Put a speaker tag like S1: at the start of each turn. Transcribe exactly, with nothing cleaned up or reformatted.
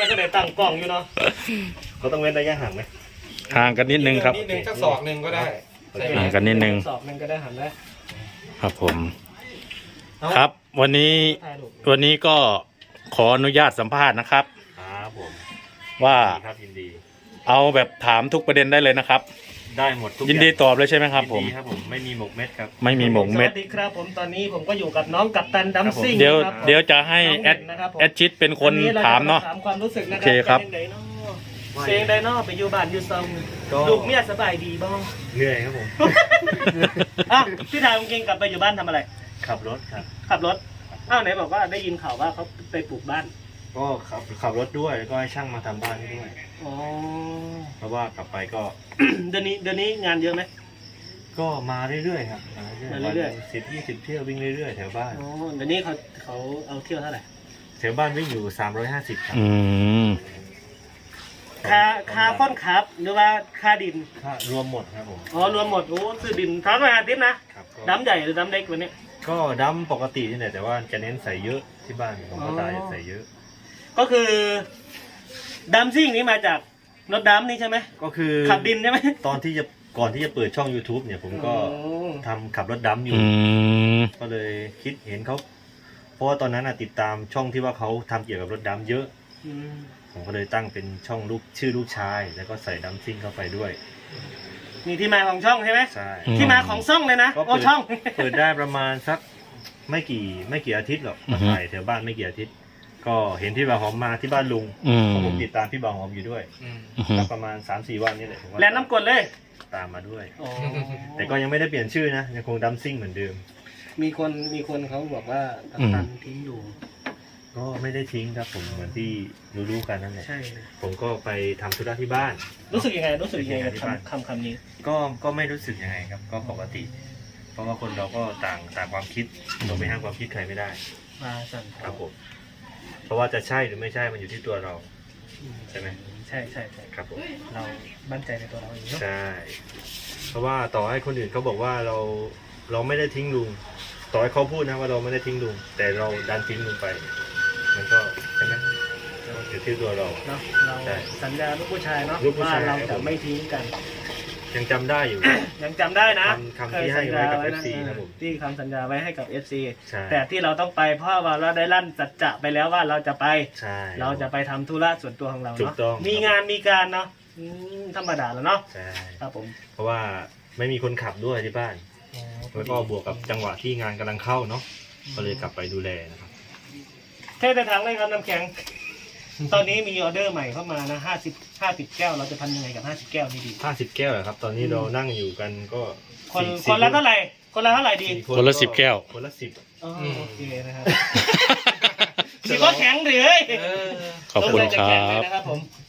S1: แล้วก็ได้ตั้งกล้องอยู่เนาะเขาต้องเว้นระยะห่างไหม
S2: ห่างกันนิดนึงครับ
S3: นิดนึงสักศอกหนึ่งก็ได้
S2: ห่างกันนิดนึง
S1: ศอกหนึ่งก็ได้หันได้
S2: ครับผมครับวันนี้วันนี้ก็ขออนุญาตสัมภาษณ์นะครับ
S4: ครับผม
S2: ว่า
S4: ครับยินดี
S2: เอาแบบถามทุกประเด็นได้เลยนะครับ
S4: ได้หมดทุก
S2: ยินดีตอบเลยใช่ไหมครับผม
S4: ยินดีครับผมไม่มีหมกเม็ดครับ
S2: ไม่มีหมกเม็ด
S1: สวัสดีครับผมตอนนี้ผมก็อยู่กับน้องกัปตันดัมซิ่ง
S2: เดี๋ยวเดี๋ยวจะให้แอดแอดชิดเป็นคนถามเนาะ
S1: ถามความรู้สึกนะ
S2: โอเคครับ
S1: เสียงไดโน่ไปอยู่บ้านอยู่ซองลูกเมียสบายดีบ้าง
S4: เหนื่อยครับผม
S1: อ่ะพี่ถามจริงกลับไปอยู่บ้านทำอะไร
S4: ขับรถครับ
S1: ขับรถอ้าวไหนบอกว่าได้ยินข่าวว่าเขาไปปลูกบ้าน
S4: ก็ขับขับรถด้วยแล้วก็ให้ช่างมาทำบ้านให้ด้วย
S1: อ๋อ
S4: เพราะว่ากลับไปก็
S1: เดือนนี้เดือนนี้งานเยอะไหม
S4: ก็มาเรื่อยๆครับมาเรื่อยๆสิบยี่สิบเที่ยววิ่งเรื่อยๆแถวบ้าน
S1: อ๋อเดี๋ยวนี้เขาเขาเอาเที่ยวเท่าไหร่
S4: แถวบ้านวิ่งอยู่สามร้อยห้าสิบครับ
S2: อืม
S1: ค่าค่าค้นขับหรือว่าค่าดิน
S4: ค่ารวมหมดครับผม
S1: อ๋อรวมหมดโอ้ซื้อดินทั้งร้อยห้าสิบนะดำใหญ่หรือดำเล็กวันนี้
S4: ก็ดำปกตินี่แหละแต่ว่าจะเน้นใส่เยอะที่บ้านของพ่อตาจะใส่เยอะ
S1: ก็คือดัมซิ่งนี้มาจากรถดัมนี่ใช่ไหม
S4: ก็คือ
S1: ขับดินใช่ไหม
S4: ตอนที่จะก่อนที่จะเปิดช่อง YouTube เนี่ยผมก็ทำขับรถดัมอยู่ก็เลยคิดเห็นเขาเพราะว่าตอนนั้นติดตามช่องที่ว่าเขาทำเกี่ยวกับรถดัมเยอะผมก็เลยตั้งเป็นช่องลูกชื่อลูกชายแล้วก็ใส่ดัมซิ่งเข้าไปด้วย
S1: นี่ที่มาของช่องใช่ไหม
S4: ใช่
S1: ที่มาของช่องเลยนะ
S4: โอ้ช่องเปิดได้ประมาณสักไม่กี่ไม่กี่อาทิตย์หรอกมาถ่ายแถวบ้านไม่กี่อาทิตย์ก็เห็นพี่บ่าวหอมมาที่บ้านลุงผมติดตามพี่บ่าวหอมอยู่ด้วยแล้วประมาณ สามสี่ วันนี่แหละ
S1: แล้วน้ำกรดเลย
S4: ตามมาด้วยแต่ก็ยังไม่ได้เปลี่ยนชื่อนะยังคงดัมซิ่งเหมือนเดิม
S1: มีคนมีคนเขาบอกว่ากัปตันทิ้งอยู่
S4: ก็ไม่ได้ทิ้งครับผมเหมือนที่รู้ๆกันนั่นแหละ
S1: ใช่
S4: ผมก็ไปทำธุระที่บ้าน
S1: รู้สึกยังไงรู้สึกยังไงกับคำคำนี้
S4: ก็ก็ไม่รู้สึกยังไงครับก็ปกติเพราะว่าคนเราก็ต่างต่างความคิดเราไม่ห้ามความคิดใครไม่ได้
S1: มาสั่น
S4: ครับผมเพราะว่าจะใช่หรือไม่ใช่มันอยู่ที่ตัวเราใช่ไหม
S1: ใช่ใช่ใช่
S4: ครับผม
S1: เรามั่นใจในตัวเราเอง
S4: ใช่เพราะว่าต่อให้คนอื่นเขาบอกว่าเราเราไม่ได้ทิ้งลุงต่อให้เขาพูดนะว่าเราไม่ได้ทิ้งลุงแต่เราดันทิ้งลุงไปมันก็ใช่ไหมอยู่ที่ตัวเรา
S1: เนาะเราสัญญาลูกผู้ชายเนาะว่าเราจะไม่ทิ้งกัน
S4: ยังจำได้อยู่
S1: ยังจำได้นะ
S4: คำที่ให้ไว้กับ เอฟ ซี นะผม
S1: ที่คำสัญญาไว้ให้กับ เอฟ ซี แต่ที่เราต้องไปเพราะว่าเราได้ลั่นสัจจะไปแล้วว่าเราจะไปเราจะไปทำธุระส่วนตัวของเราเนาะมีงานมีการเนาะธรรมดาแล้วเนาะ
S4: ใช่
S1: ครับผม
S4: เพราะว่าไม่มีคนขับด้วยที่บ้านแล้วก็บวกกับจังหวะที่งานกำลังเข้าเนาะก็เลยกลับไปดูแลนะครับ
S1: แค่แต่ทางเลยครับน้ำแข็งตอนนี้มีออเดอร์ใหม่เข้ามานะห้าสิบห้าสิบแก้วเราจะทำยังไงกับห้าสิบแก้วนี่ดี
S4: ห้าสิบแก้วเหรอครับตอนนี้เรานั่งอยู่กันก็
S1: คนคนละเท่าไหร่คนละเท่าไหร่ดี
S2: คนละสิบแก้ว
S4: คนละสิบ
S1: โอเคนะครับสิบก็แข็งเลย
S2: ขอบคุณครับ
S1: นะครับผม